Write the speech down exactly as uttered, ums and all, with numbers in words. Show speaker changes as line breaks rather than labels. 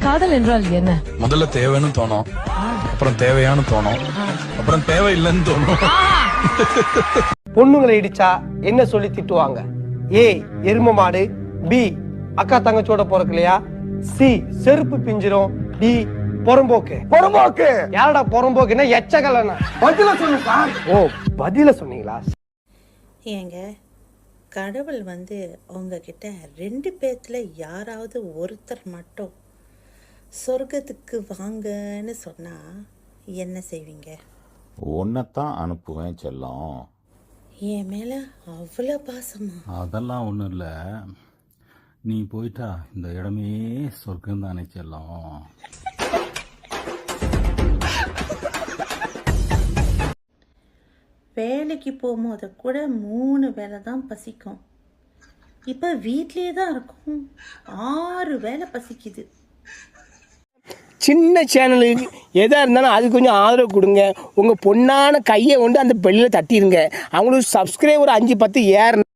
காதல் என்றால் என்ன?
முதல்ல தேவைன்னு தோணும், அப்புறம் தேவையான்னு தோணும், அப்புறம் தேவையில்லைன்னு தோணும்.
பொண்ணுங்களை இடிச்சா என்ன சொல்லி திட்டுவாங்க? ஏ எரும மாடு, பி அக்கா தங்கச்சோட பிறக்கலையா, சி செருப்பு பிஞ்சிரும், டி பொறம்போக்கு. பொறம்போக்கு யாரடா பொறம்போக்குன்னா எச்சகலனா? பதில சொல்லுங்க சார். ஓ பதில சொன்னீங்களா?
ஏங்க கடவுள் வந்து உங்ககிட்ட ரெண்டு பேர்த்துல யாராவது ஒருத்தர் மட்டும் சொர்க்கத்துக்கு வாங்கன்னு சொன்னா என்ன செய்வீங்க?
ஒன்னத்தான் அனுப்புவேன் செல்லம்.
என் மேல அவ்வளோ பாசமா?
அதெல்லாம் ஒன்றும் இல்லை, நீ போயிட்டா இந்த இடமே சொர்க்கம் தானே செல்லம்.
வேலைக்கு போகும்போது கூட மூணு வேலை தான் பசிக்கும், இப்போ வீட்லேயே தான் இருக்கும் ஆறு வேலை பசிக்குது.
சின்ன சேனலுக்கு எதாக இருந்தாலும் அது கொஞ்சம் ஆதரவு கொடுங்க. உங்கள் பொண்ணான கையை கொண்டு அந்த பெல்லில் தட்டிடுங்க. அவங்களுக்கு சப்ஸ்கிரைபர் அஞ்சு பத்து ஏறணும்.